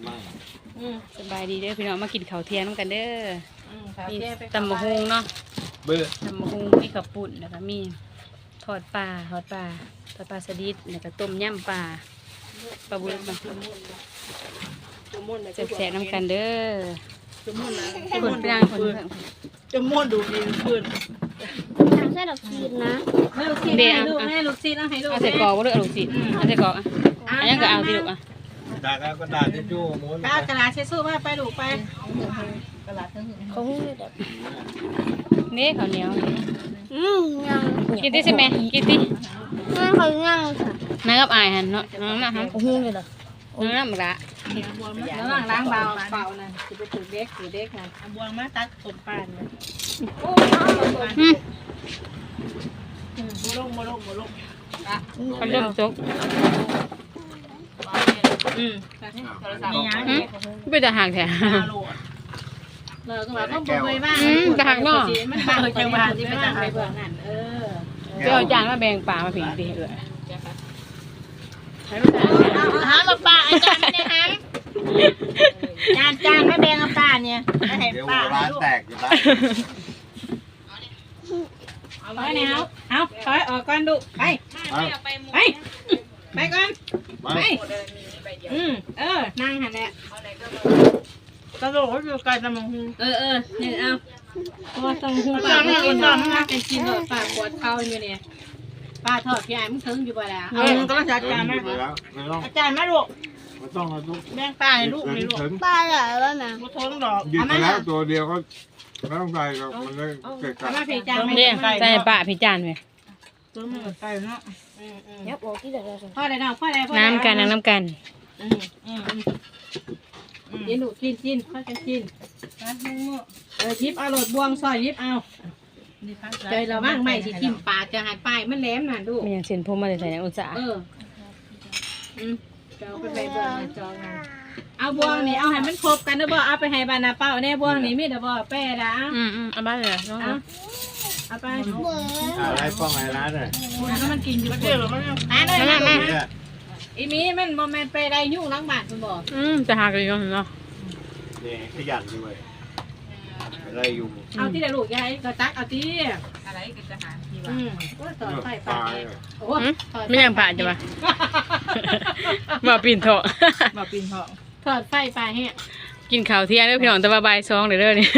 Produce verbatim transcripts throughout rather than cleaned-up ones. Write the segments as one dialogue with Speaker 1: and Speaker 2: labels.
Speaker 1: สบายดีเด้อพี่น้องมากินข้าวเที่ยงน้ำกันเด้อมีตำมะฮุงเนาะเบื่อตำมะฮุงมีข้าวปุ่นแล้วก็มีทอดปลาทอดปลาทอดปลาสลิดแล้วก็ต้มยำปลาปลาบุญมันแซ่บๆน้ำกันเด้อคนเปรี้ยงคนเปรี้ยง
Speaker 2: จะม้วนดูดีขึ้น
Speaker 3: ทำเส้นดอกชีสนะ
Speaker 2: ลูกชีสให้ลูกให้ลูกชีสเอาให้ลูก
Speaker 1: เอาใส่กรอกว่าเด้อลูกศิษย์เอาใส่กรอกอ่ะอันนี้ก็เอาสิลูกอ่ะ
Speaker 4: ดาก็ดาเช็ดชู้ม้วน
Speaker 2: กระดาษเช็ดชู้มาไปลูกไป
Speaker 3: เขาหุ้มเลยแบบ
Speaker 1: นี่ข้าวเหนียว
Speaker 3: อืมยัง
Speaker 1: กินดิใช่ไหมกินดิ
Speaker 3: ไม่เขายังค่ะ
Speaker 1: น้ากับอายหันเนาะน้องน่ะฮะ
Speaker 3: เขาหุ้มเลยเหรอ
Speaker 1: น้องน่ะมันละ
Speaker 2: แล้วล้างล้างเบาเบานะจะไปถือเด็กถือเด็กนะบวงมาตัดต้นปานเลยโอ้โมลงโมลงโมลง
Speaker 1: เขาเริ่มจก
Speaker 2: อืมมีอย่างนี้
Speaker 1: ไม่จะห่างแท้
Speaker 2: เราก็ว่าต้องบุยบ้าง
Speaker 1: จะห่างเนาะ
Speaker 2: มันห่างจังหวะที่ไปต่างไปเบื้องนั่นเออ
Speaker 1: จะเอาจานมาแบ่งปลามาผิงดีเออ
Speaker 2: หามาปลาอาจารย์เนี่ยฮะจานจานไม่แบ่งกับปลาเนี่ยไม่ให้ปลา
Speaker 4: ร้านแตกอยู่บ้าน
Speaker 2: เอาไว้เนี่ยเอาเอาถอยออกก่อนดูไปไปไปก่อนไปอืมเออนั่งหันแหละกระโดดก็อยู่ไกลตะมงหูเออเออเนี่ยเอาเพราะว่าตะมงหูปลาไม่กินหรอกมันเป็นกินหรอกปลาปวดเข่าอยู่เนี่ยปลาทอดพี่ไอ้มึงถึงอยู่บ่แล้วเออก็ต้องจัดการมาอาจารย์มาลูก
Speaker 4: ไม่ต้องเอาลูก
Speaker 2: แบ่งปลาให้ลูกนี่ลูก
Speaker 3: ปลาเหรอวะนะ
Speaker 2: กูทนดอก
Speaker 4: หยิบไปแล้วตัวเดียวก็ไม่ต้องใส่ก็มันเลยเกิดการ
Speaker 1: เรียกใส่ปลาพี่จานไหม
Speaker 2: ตัวมันไก่เนาะ
Speaker 3: ยับออกที่เดี๋ยว
Speaker 2: พ่อได้เนาะพ่อได้พ่อ
Speaker 1: น้ำกันน้ำกัน
Speaker 2: อืมอืมกินลูกกินกินพ่อจะกินนะมึงมั่วเออยิบเอาโหลดบวงซอยยิบเอาใจเราบ้างไม่สิทิมปากจะหายไปมันแหลมน่ะดู
Speaker 1: มันยังเส้นผมมาใส่ในอุตสาห์
Speaker 2: เอออืมจะเอาไปใบเบอร์จองนะเอาบวงนี่เอาให้มันครบกันนะบ่เอาไปให้บานาเป้าแน่บวงนี่มีแต่บ่แป้ละ
Speaker 1: อืมอืมเอาบ้านเลยน้องเอา
Speaker 2: เอาไป
Speaker 4: อะไรป้องอะไรร้านเลย
Speaker 2: แล้วมันกินอยู่เดี๋ยวมันอ่านเลยแม่อีมีมันบ่แม่นไปได้ยุ่งล้างบาดมันบ่
Speaker 1: อืมจะหากันอยู่เนาะ
Speaker 4: นี่ขยันด้วยอะไรอยู่
Speaker 2: เอาที่เดี๋ยวลูกยายก็ตักเอาที่อะไรก็จะหาที่ว่าอืมก็ต่อไฟปลาโอ้
Speaker 1: ไม่ยังป่าจ้ะป่ะบ่ปีนเถาะ
Speaker 2: บ่ปีนเถาะถอดไฟปลาแห้ง
Speaker 1: กินข้าวเที่ยงเด้อพี่น้องแต่ว่าบ่ายสองเด้อเด้อนี่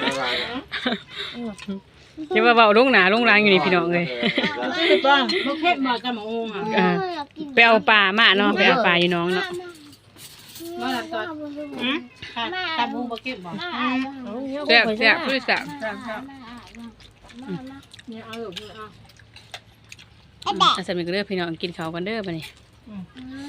Speaker 1: เดี๋ยวว่าเบาลงหนาลงรางอยู่นี่พี่น้องเลย
Speaker 2: บ้างลูกเทพบอกจะมาองอ่ะ
Speaker 1: ไปเอาปลามาเนาะไปเอาปลาอยู่น้องเนาะ
Speaker 2: มาหลับตอนอืมตาบูบกินบอก
Speaker 1: แซ่บแซ่บพูดแซ่บ
Speaker 2: เนี่ยเอาหรือเอา
Speaker 1: อาสามีก็เลือกพี่น้องกินข้าวกันเด้อป่ะนี่